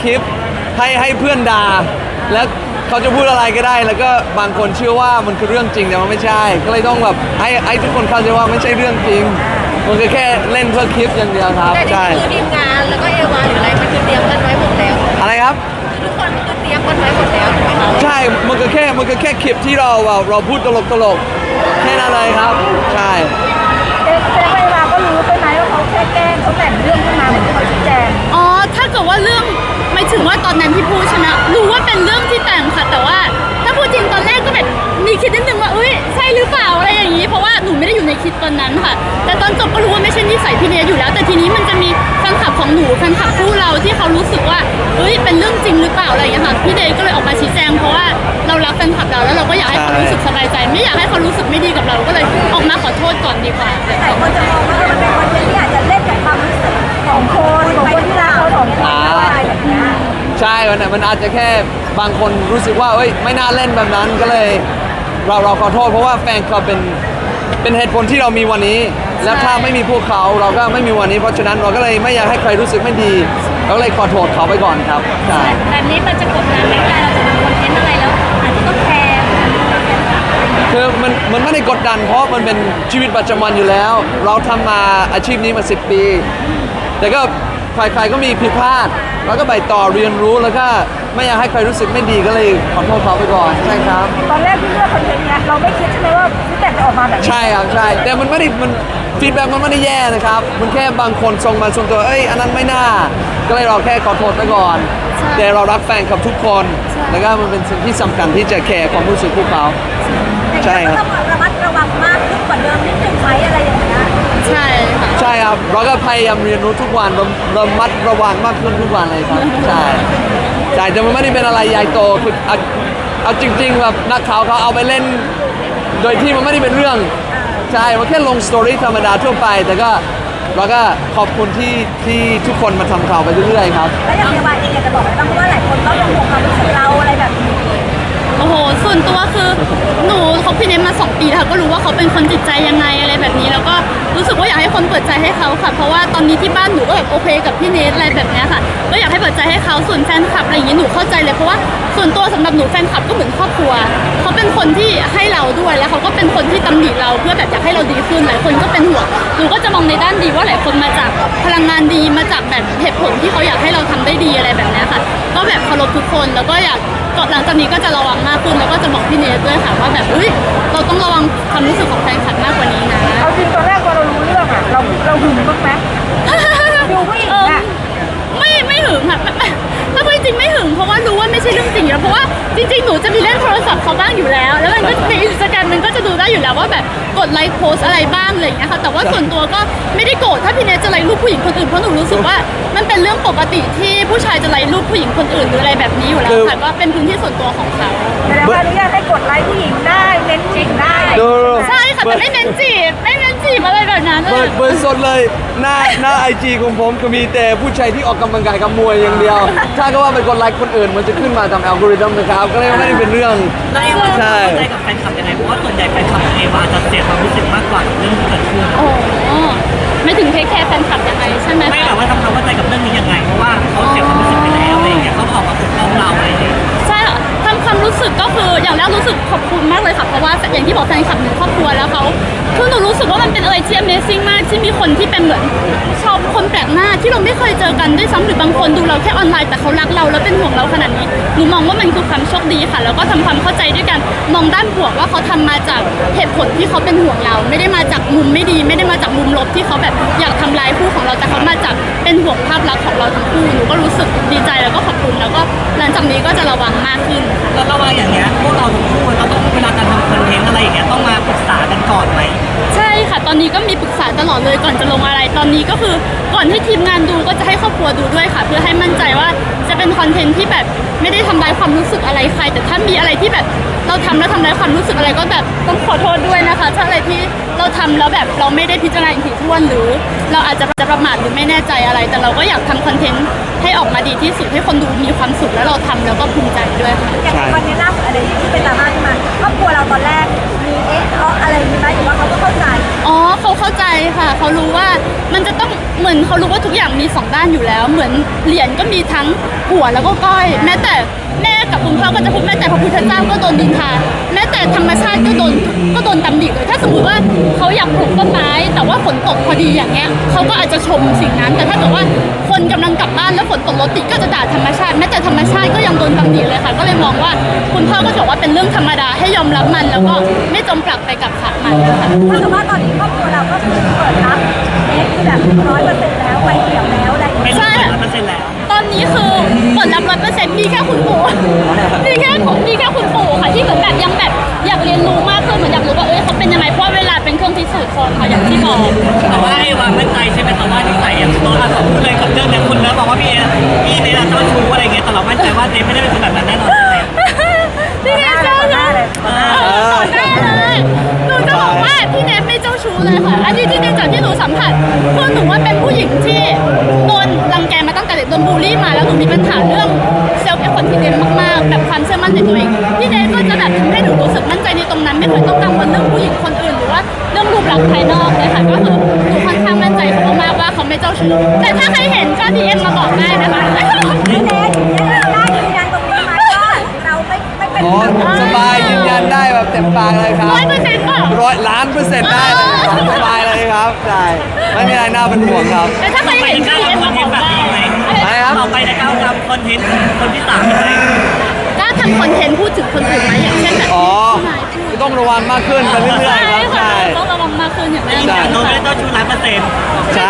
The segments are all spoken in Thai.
คลิปให้เพื่อนด่าแล้วเขาจะพูดอะไรก็ได้แล้วก็บางคนเชื่อว่ามันคือเรื่องจริงแต่มันไม่ใช่ก็เลยต้องแบบให้ทุกคนเข้าใจว่าไม่ใช่เรื่องจริงมันคือแค่เล่นเพื่อคลิปอย่างเดียวครับแต่นี่คือทีมงานแล้วก็เอวาหรืออะไรมันคือเตรียมกันไว้หมดแล้วอะไรครับทุกคนคือเตรียมกันไว้หมดแล้วใช่ไหมคะใช่มันก็แค่คลิปที่เราพูดตลกแค่นั้นเลยครับใช่เอวาก็รู้ใช่ไหมว่าเขาแค่แกล้งเขาแต่งเรื่องขึ้นมาเหมือนที่เขาชี้แจงอ๋อถ้าเกิดว่าเรื่องไม่ถึงว่าตอนนั้นที่พูดใช่ไหมรู้ว่าเป็นเรื่องที่แต่งค่ะแต่ว่าถ้าพูดจริงตอนแรกก็แบบมีคิดนิดนึงว่าเอ้ยใช่หรือเปล่าอะไรอย่างนี้เพราะว่าหนูไม่ได้อยู่ในคลิปตอนนั้นค่ะแต่ตอนจบก็รู้ว่าไม่ใช่นิสัยพี่เนยอยู่แล้วแต่ทีนี้มันจะมีแฟนคลับของหนูแฟนคลับคู่เราที่เขารู้สึกว่าเอ้ยเป็นเรื่องจริงหรือเปล่าอะไรอย่างเงี้ยค่ะพี่เนยก็เลยออกมาชี้แจงเพราะว่าเรารักแฟนคลับเราแล้วเราก็อยากให้เขารู้สึกสบายใจไม่อยากให้เขารู้สึกไม่ดีกับเราก็เลยออกมาขอโทษก่อนดีกว่าแต่คนจะมองว่ามันเป็นคอนเทนต์ที่อาจจะเล่นกับความรู้สึกของคนที่รักเขาของคนอะไรแบบนี้ใช่มันอาจจะแค่บางคนรู้สึกว่าเอ้ยไม่น่าเล่นแบบนั้นก็เลยเราขอโทษเพราะว่าแฟนเขาเป็นเหตุผลที่เรามีวันนี้และถ้าไม่มีพวกเขาเราก็ไม่มีวันนี้เพราะฉะนั้นเราก็เลยไม่อยากให้ใครรู้สึกไม่ดีเราก็เลยขอโทษเขาไปก่อนครับใช่แบบนี้มันจะกดดันไหมเวลาเราจะทำคอนเทนต์อะไรแล้วอาจจะต้องแคร์คือมันไม่ได้กดดันเพราะมันเป็นชีวิตประจำวันอยู่แล้วเราทำมาอาชีพนี้มา10 ปีแต่ก็ใครๆก็มีผิดพลาดแล้วก็ไปต่อเรียนรู้แล้วก็ไม่อยากให้ใครรู้สึกไม่ดีก็เลยขอโทษเขาไปก่อนใช่ครับตอนแรกที่เลือกคอนเทนต์เนี้ยเราไม่คิดใช่ไหมว่าพี่แต่งจะออกมาแบบนี้ใช่ครับใช่แต่มันไม่ได้ฟีดแบ็กมันไม่ได้แย่นะครับมันแค่บางคนส่งมาส่วนตัวอันนั้นไม่น่าก็เลยเราแค่ขอโทษไปก่อนแต่เรารักแฟนคลับทุกคนแล้วก็มันเป็นสิ่งที่สำคัญที่จะแคร์ความรู้สึกพวกเขาใช่ครับต้องระมัดระวังมากขึ้นกว่าเดิมนิดนึงไหมอะไรอย่างเงี้ยใช่ค่ะใช่ครับเราก็พยายามเรียนรู้ทุกวันระมัดระวังมากขึ้นทุกวันเลยครับใช่แต่มันไม่ได้เป็นอะไรใหญ่โตคือเอาจริงๆแบบนักข่าวเขาเอาไปเล่นโดยที่มันไม่ได้เป็นเรื่องใช่มันแค่ลงสตอรี่ธรรมดาทั่วไปแต่ก็เราก็ขอบคุณที่ทุกคนมาทำข่าวไปเรื่อยๆครับแล้วอย่างเอวาเองอยากจะบอกอะไรบ้างเพราะว่าหลายคนก็ยังห่วงความรู้สึกเราอะไรแบบนี้โอ้โหส่วนตัวคือหนูคบพี่เนทมา2 ปีแล้วก็รู้ว่าเขาเป็นคนจิตใจยังไงอะไรแบบนี้แล้วก็รู้สึกว่าอยากให้คนเปิดใจให้เขาค่ะเพราะว่าตอนนี้ที่บ้านหนูก็แบบโอเคกับพี่เนทอะไรแบบนี้ค่ะก็อยากให้เปิดใจให้เขาส่วนแฟนคลับอะไรอย่างนี้หนูเข้าใจเลยเพราะว่าส่วนตัวสำหรับหนูแฟนคลับก็เหมือนครอบครัวเขาเป็นคนที่ให้เราด้วยแล้วเขาก็เป็นคนที่ตำหนิเราเพื่อแบบอยากให้เราดีขึ้นหลายคนก็เป็นห่วงหนูก็จะมองในด้านดีว่าหลายคนมาจากพลังงานดีมาจากแบบเหตุผลที่เขาอยากให้เราทำได้ดีอะไรแบบนี้ค่ะก็แบบเคารพทุกคนแล้วก็อยากหลังจากนี้ก็จะระวังมากขึ้นแล้วก็จะบอกพี่เนทด้วยค่ะว่าแบบเราต้องระวังความรู้สึกของแฟนคลับมากกว่านี้นะเอาจริงตอนแรกพอเรารู้เรื่องอ่ะเราหึงบ้างไหมดูผู้หญิงอ่ะไม่หึงค่ะถ้าพูดจริงไม่หึงเพราะว่ารู้ว่าไม่ใช่เรื่องจริงแล้วเพราะว่าจริงๆหนูจะมีเล่นโทรศัพท์เขาบ้างอยู่แล้วแล้วมันก็ในอินสตาแกรมมันก็จะดูได้อยู่แล้วว่าแบบกดไลค์โพสอะไรบ้างอะไรอย่างเงี้ยค่ะแต่ว่าส่วนตัวก็ไม่ได้โกรธถ้าพี่เนทจะไลค์รูปผู้หญิงคนอื่นเพราะหนูรู้สึกว่ามันเป็นเรื่องปกติที่ผู้ชายจะไลค์รูปผู้หญิงคนอื่นหรืออะไรแบบนี้อยู่แล้วค่ะก็เป็นพื้นที่ส่วนตัวของเขาแต่ว่าอนุญาตให้กดไลค์ผู้หญิงได้เน้นผู้หญิงได้ใช่ค่ะแต่ไม่เน้นจีบอะไรแบบนั้นเปิดสดเลยหน้าIG ของผมก็มีแต่ผู้ชายที่ออกกำลังกายกับมวยอย่างเดียวถ้าก็ว่าไปกดไลค์คนอื่นมันจะขึ้นมาตามอัลกอริทึมนะครับก็เลยไม่ได้เป็นเรื่องแล้วเอวาเข้าใจกับแฟนคลับยังไงเพราะว่าส่วนใหญ่แฟนคลับของเอวาจะเสียความรู้สึกมากกว่าเรื่องที่เกิดขึ้นโอ้ไม่ถึงเทคแคร์แฟนคลับยังไงใช่ไหมไม่แบบว่าทำความเข้าใจกับเรื่องนี้ยังไงเพราะว่าเขาเสียความรู้สึกไปแล้วอะไรอย่างเงี้ยเขาออกมาปกป้องเราอะไรอย่างเงี้ยใช่ค่ะทำความรู้สึกก็คืออย่างแรกรู้สึกขอบคุณมากเลยค่ะเพราะว่าอย่างที่บอกแฟนคลับหนูครอบครัวแล้วเขาคือหนูรู้สึกว่ามันเป็นอะไรที่ Amazing มากที่มีคนที่เป็นเหมือนชาวคนแปลกหน้าที่เราไม่เคยเจอกันด้วยซ้ำหรือบางคนดูเราแค่ออนไลน์แต่เขารักเราแล้วเป็นห่วงเราขนาดนี้หนูมองว่ามันคือความโชคดีค่ะแล้วก็ทำความเข้าใจด้วยกันมองด้านบวกว่าเขาทำมาจากเหตุผลที่เขาเป็นห่วงเราไม่ได้มาจากมุมไม่ดีไม่ได้มาจากมุมลบที่เขาแบบอยากทำลายคู่ของเราแต่เขามาจากเป็นห่วงภาพลักษณ์ของเราทั้งคู่หนูก็รู้สึกดีใจแล้วก็ขอบคุณแล้วก็หลังจากนี้ก็จะระวังมากขึ้นแล้วระวังอย่างเงี้ยพวกเราทั้งคู่เราต้องเวลาการทำคอนเทนต์อะไรอย่างเงี้ยต้องมาปรึกษากันก่อนไหมใช่ค่ะตอนนี้ก็มีปรึกษาตลอดเลยก่อนจะลงอะไรตอนนี้ก็คือก่อนให้ทีมงานดูก็จะให้ครอบครัวดูด้วยค่ะเพื่อให้มั่นใจว่าจะเป็นคอนเทนต์ที่แบบไม่ได้ทำลายความรู้สึกอะไรใครแต่ถ้ามีอะไรที่แบบเราทำแล้วทำลายความรู้สึกอะไรก็แบบต้องขอโทษด้วยนะคะถ้าอะไรที่เราทำแล้วแบบเราไม่ได้พิจารณาอย่างถี่ถ้วนหรือเราอาจจะประมาทหรือไม่แน่ใจอะไรแต่เราก็อยากทำคอนเทนต์ให้ออกมาดีที่สุดให้คนดูมีความสุขแล้วเราทำแล้วก็ภูมิใจด้วยค่ะอย่างวันนี้ล่าสุดอะไรที่เป็นดราม่าขึ้นมาครอบครัวเราตอนแรกมีอะไรอย่างนี้ไหมหรือว่าเขาก็เข้าใจอ๋อเขาเข้าใจค่ะเขารู้ว่ามันจะต้องเหมือนเขารู้ว่าทุกอย่างมีสองด้านอยู่แล้ว เหมือนเหรียญก็มีทั้งหัวแล้วก็ก้อยแม้แต่แม่กับคุณพ่อก็จะพูดแม้แต่พระพุทธเจ้าก็โดนดินทาแม้แต่ธรรมชาติก็โดนตำหนิเลยถ้าสมมติว่าเขาอยากปลูกต้นไม้แต่ว่าฝนตกพอดีอย่างเงี้ยเขาก็อาจจะชมสิ่งนั้นแต่ถ้าเกิดว่าคนกำลังกลับบ้านแล้วฝนตกรถติดก็จะด่าธรรมชาติแม้แต่ธรรมชาติก็ยังโดนตำหนิเลยค่ะก็เลยมองว่าคุณพ่อก็บอกว่าเป็นเรื่องธรรมดาให้ยอมรับมันแล้วก็ไม่จมปลักไปกับขามันค่ะถ้าสมมติว่าตอนนี้ครอบครัวเราก็คือเปิดรับเน็ตคือแบบ100%แล้วไฟเขียวแล้วอะไรอย่างเป็เงี้นย 100%แล้วตอนนี้คือเปิดรับ100%มีแค่คุณปู่มีแค่คุณปู่ค่ะที่เหมือนแบบยังแบบอยากเรียนรู้มากขึ้นเหมือนอยากรู้ว่าเขาเป็นยังไงเพราะเวลาเป็นเครื่องพิสูจน์คนค่ะอย่างที่บอกแต่ว่าให้วางมั่นใจใช่ไหมแต่ว่านิสัยอย่างตัวเราพูดเลยกับเรื่องเนี้ยคุณแล้วบอกว่าพี่เนยเจ้าชู้อะไรเงี้ยแต่เรามั่นใจว่าเนยไม่ได้เป็นคนแบบนั้นแน่นอนเลยพี่เนทเจ้าชู้ต่อหน้าเลยหนูจะบอกว่าพี่เนทไม่เจ้าชู้เลยค่ะอันนี้ที่เนทจากที่หนูสัมผัสคือหนูว่าเป็นผู้หญิงที่โดนรังแกมาตั้งแต่เด็กโดนบูลลี่มาแล้วหนูมีปัญหาเรื่องเซลฟ์คอนฟิเดนซ์มากๆแบบความเชื่อมั่นในตัวเองพี่เนทก็จะแบบทำให้หนูรู้สึกมั่นใจในตรงนั้นไม่เคยต้องกังวลเรื่องผู้หญิงคนอื่นหรือว่าเรื่องรูปลักษณ์ภายนอกเลยค่ะก็คือหนูค่อนข้างมั่นใจเขามากๆว่าเขาไม่เจ้าชู้แต่ถ้าใครเห็นก็ดีเอ็มมาบอกได้นะคะพี่เน็ตเราได้ยืนยันตรงนี้ไหมว่าเราไม่เป็นอ๋อสบายยืนยันได้แบบเต็มปากเลยครับ 100%ป่ะ 100,000,000%ได้เลยครับสบายเลยครับใช่ไม่มีอะไรน่าเป็นห่วงครับแต่ถ้าใครเห็นก็ดีเอ็มมาบอกได้อะไรครับต่อไปในก้าวทำคอนเทนต์คนที่3ยังไงกล้าทำคอนเทนต์พูดถึงคนอื่นไหมอย่างเช่นแบบอ๋อพี่นายพูดก็ต้องระวังมากขึ้นไปเรื่อยๆครับค่ะใช่ต้องระวังมากขึ้นอย่างแน่ยืนนอยันนโดยไม่ได้เจ้าชู้100% ใช่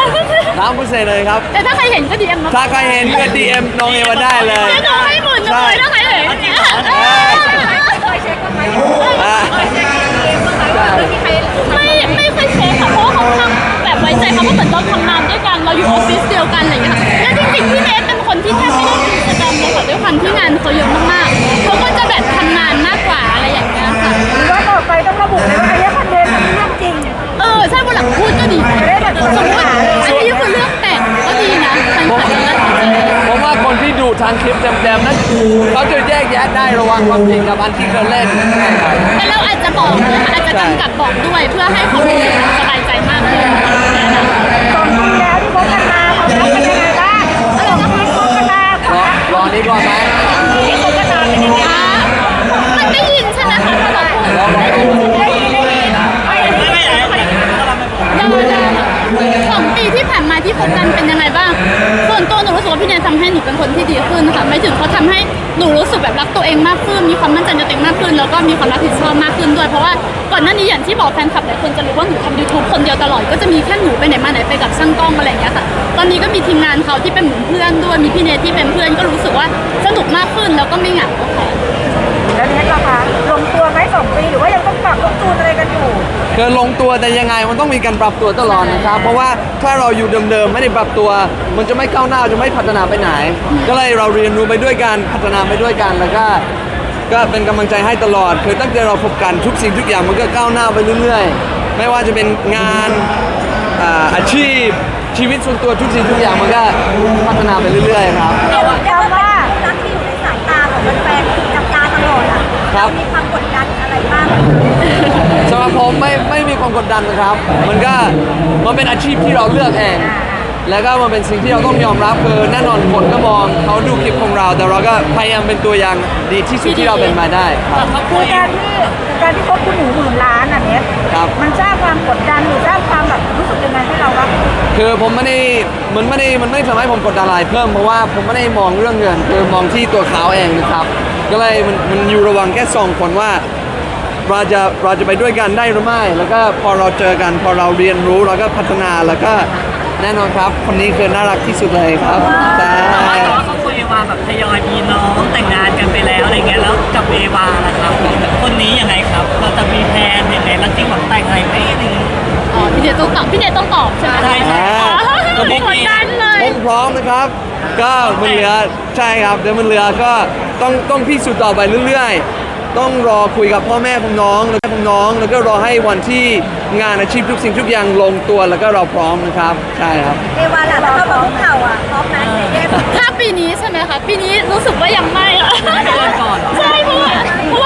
100,000%เลยครับแต่ถ้าใครเห็นก็ดีเอ็มมาถ้าใครเห็นก็ DM น้องเอวาได้เลยเดี๋ยวหนูให้หมื่นหนึงเลยถ้าใครเห็นเคยเช็คกันไหมอ่าเคยเช็คเกมบ้างไหมว่ามีใครไม่เคยเช็คค่ะเพราะว่าเขาทำแบบไว้ใจเขาก็เหมือนเราทำงานด้วยกันเราอยู่ออฟฟิศเดียวกันอะไรอย่างเงี้ยค่ะและจริงๆพี่เนทเป็นคนที่แทบไม่ได้มีกิจกรรมเลยค่ะด้วยความที่งานเขาเยอะมากๆเขาก็จะแบบทำงานมากกว่าอะไรอย่างเงี้ยค่ะหรือว่าต่อไปต้องระบุเลยว่าอันนี้คอนเทนต์มันเรื่องจริงใช่วันหลังพูดก็ดีสมมติอันนี้คือเรื่องแต่งก็ดีนะฉันขอจะรักษาผมว่าคนที่ดูทางคลิปเต็มๆนั้นเขาจะแยกแยะได้ระหว่างความจริงกับอันที่เขาเล่นใช่ครับแต่เราอาจจะบอกนะคะอาจจะกำกับบอกด้วยเพื่อให้เขารู้สึกสบายใจมากขึ้นสองปีแล้วที่คบกันมาความรักเป็นยังไงบ้างอะไรนะคะคบกันมารอนี้ก่อนไหมที่คบกันมาเป็นยังไงมันได้ยินใช่ไหมคะถ้าเราพูดลองดูได้ยินไม่ไหนก็เราไม่บอก 2 ปีที่ผ่านมาที่คบกันเป็นยังไงบ้าง ส่วนตัวหนูรู้สึกว่าพี่เนยทำให้หนูเป็นคนที่ดีขึ้นค่ะไม่ถึงเขาทำให้หนูรู้สึกแบบรักตัวเองมากขึ้น มีความมั่นใจในตัวเองมากขึ้น แล้วก็มีความรับผิดชอบมากขึ้นด้วย เพราะว่าก่อนหน้านี้อย่างที่บอกแฟนคลับหลายคนจะรู้ว่าหนูทำ YouTube คนเดียวตลอด ก็จะมีแค่หนูไปไหนมาไหนไปกับช่างกล้องอะไรอย่างเงี้ยค่ะ ตอนนี้ก็มีทีมงานเขาที่เป็นเหมือนเพื่อนด้วย มีพี่เนยที่เป็นเพื่อนก็รู้สึกว่าสนุกมากขึ้นแล้วก็ไม่เหงาค่ะแล้วเน็ตล่ะคะลงตัวไหม2 ปีหรือว่ายังต้องปรับลงตูนอะไรกันอยู่คือลงตัวแต่ยังไงมันต้องมีการปรับตัวตลอดนะครับ เพราะว่าถ้าเราอยู่เดิมๆไม่ได้ปรับตัว มันจะไม่ก้าวหน้าจะไม่พัฒนาไปไหน ก็เลยเราเรียนรู้ไปด้วยกันพัฒนาไปด้วยกันแล้วก็เป็นกำลังใจให้ตลอดคือตั้งแต่เราพบกันทุกสิ่งทุกอย่างมันก็ก้าวหน้าไปเรื่อยๆ ไม่ว่าจะเป็นงานอาชีพชีวิตส่วนตัวทุกสิ่งทุกอย่างมันก็พัฒนาไปเรื่อยๆครับเรียกว่ารักที่อยู่ในสายตาของแฟนๆจับตาตลอดอ่ะครับมีความกดดันอะไรบ้างสำหรับผมไม่มีความกดดันนะครับ มันเป็นอาชีพที่เราเลือกเอง แล้วก็มันเป็นสิ่งที่เราต้องยอมรับคือแน่นอนคนก็มองเขาดูคลิปของเรา แต่เราก็พยายามเป็นตัวอย่างดีที่สุดที่เราเป็นมาได้ครับคือการที่พบคุณหนู10,000 ล้านอ่ะเน็ตครับมันสร้างความกดดันหรือสร้างความแบบรู้สึกยังไงให้เราบ้างคือผมมันไม่ได้ทำให้ผมกดดันอะไรเพิ่มเพราะว่าผมไม่ได้มองเรื่องเงินคือมองที่ตัวเขาเองนะครับ ก็เลยมันอยู่ระหว่างแค่สองคนว่าเราจะไปด้วยกันได้หรือไม่ แล้วก็พอเราเจอกันพอเราเรียนรู้เราก็พัฒนาแล้วก็แน่นอนครับคนนี้คือน่ารักที่สุดเลยครับใช่แต่ว่าเขาคุยว่าแบบทยอยมีน้องแต่งงานกันไปแล้วอะไรเงี้ยแล้วกับเอวาล่ะครับคนนี้ยังไงครับเราจะมีแพลนยังไงแล้วจริงหวังแต่งอะไรไหมอะไรเงี้ยอ๋อพี่เนยต้องตอบใช่ไหมใช่ใช่กดดันเลยผมพร้อมนะครับ ก็มันเหลือใช่ครับเดี๋ยวมันเหลือก็ต้องพิสูจน์ต่อไปเรื่อยๆ ต้องรอคุยกับพ่อแม่ของน้องแล้วก็รอให้วันที่งานอาชีพทุกสิ่งทุกอย่างลงตัวแล้วก็เราพร้อมนะครับใช่ครับเอวาล่ะแล้วก็บอกพวกเขาอ่ะพร้อมไหมเน็ตถ้าปีนี้ใช่ไหมคะปีนี้รู้สึกว่ายังไม่อะก่อนใช่เพราะว่าหนูรู้สึก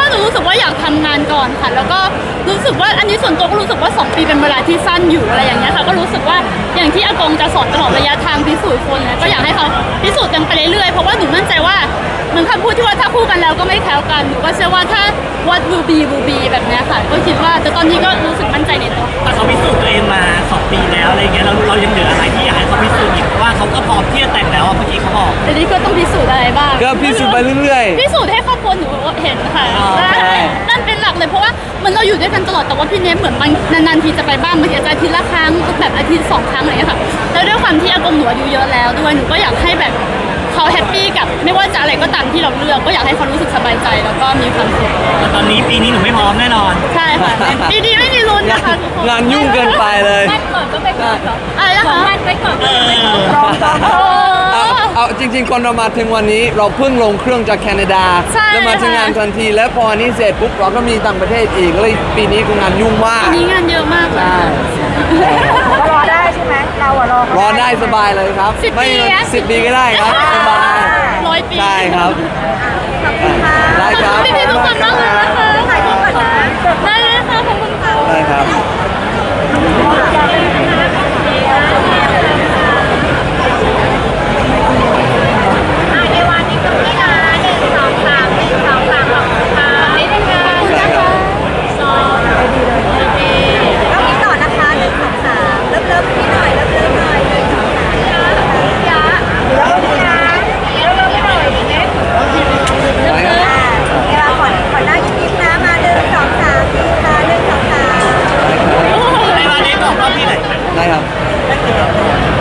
กว่าอยากทำงานก่อนค่ะ แล้วก็รู้สึกว่าอันนี้ส่วนตัวก็รู้สึกว่า 2 ปีเป็นเวลาที่สั้นอยู่อะไรอย่างเงี้ยค่ะ ก็รู้สึกว่าอย่างที่อากงจะสอนตลอดระยะทางพิสูจน์คนนะก็อยากให้เขาพิสูจน์กันไปเรื่อยๆเพราะว่าหนูมั่นใจว่าเหมือนคำพูดที่ว่าถ้าคู่กันแล้วก็ไม่แคล้วกันหนูก็เชื่อว่าถ้า what will be will be แบบเนี้ยค่ะก็คิดว่าแต่ตอนนี้ก็รู้สึกมั่นใจในตัวแต่เขาพิสูจน์ตัวเองมา 2 ปีแล้วอะไรเงี้ยเรายังเหลืออะไรที่อยากให้เขาพิสูจน์อีกเพราะว่าเขาก็พร้อมที่จะแต่งแล้วอะเมื่อกี้เขาบอกแต่นี่ก็ต้องพิสูจน์อะไรบ้างก็พิสูจน์ไปเรื่อยพิสูจน์ให้ครอบครัวหนูเห็นค่ะอ๋อนั่นเป็นหลักเลยเพราะว่าเหมือนเราอยู่ด้วยกันตลอดแต่ว่าพี่เนฟเหมือนบางนานๆทีจะไปบ้างบางทีอาจจะอาทิตย์ละครั้งแบบอาทิตย์2 ครั้งอะไรอย่างเงี้ยค่ะแล้วด้วยความที่อากงหนูอายุเยอะแล้วด้วยหนูก็อยากให้แบบเขาแฮปปี้กับไม่ว่าจะอะไรก็ตามที่เราเลือกก็อยากให้เขารู้สึกสบายใจแล้วก็มีความสุขแต่ตอนนี้ปีนี้หนูไม่พร้อมแน่นอนใช่ค่ะดีดีไม่มีลุ้นนะคะทุกคนงานยุ่งเกินไปเลยมั่นก่อนก็ไปก่อนเหรออะไรนะคะมั่นไปก่อนก็ไปก่อนรองจองโอ้เอาจริงๆคนเรามาถึงวันนี้เราเพิ่งลงเครื่องจากแคนาดาใช่แล้วมาถึงงานทันที แล้วพออันนี้เสร็จปุ๊บเราก็มีต่างประเทศอีกเลยปีนี้คืองานยุ่งมากปีนี้งานเยอะมากเลยใช่ก็รอได้ใช่ไหมเราอะรอเขารอได้สบายเลยครับ 10 ไม่ปีอะ 10 ปีก็ได้ครับสบาย 100 ปีใช่ครับขอบคุณค่ะได้ครับพี่ๆทุกคนมากเลยนะคะถ่ายรูปก่อนนะได้เลยค่ะขอบคุณค่ะได้ครับในวันนี้ก็พี่นา1 2 3 1 2 3ขอบคุณค่ะนี่เป็นงานได้ครับโอเคก็มีต่อนะคะ1 2 3เริ่มพี่หน่อยเริ่มหน่อย1 2 3 ยะแล้วพี่นะเริ่มไม่หน่อยดีไหมได้ครับเวลาก่อนหน้ายิ้มนะมา1 2 3ดีค่ะ1 2 3 ในวันนี้บอกรอบที่ไหนได้ครับ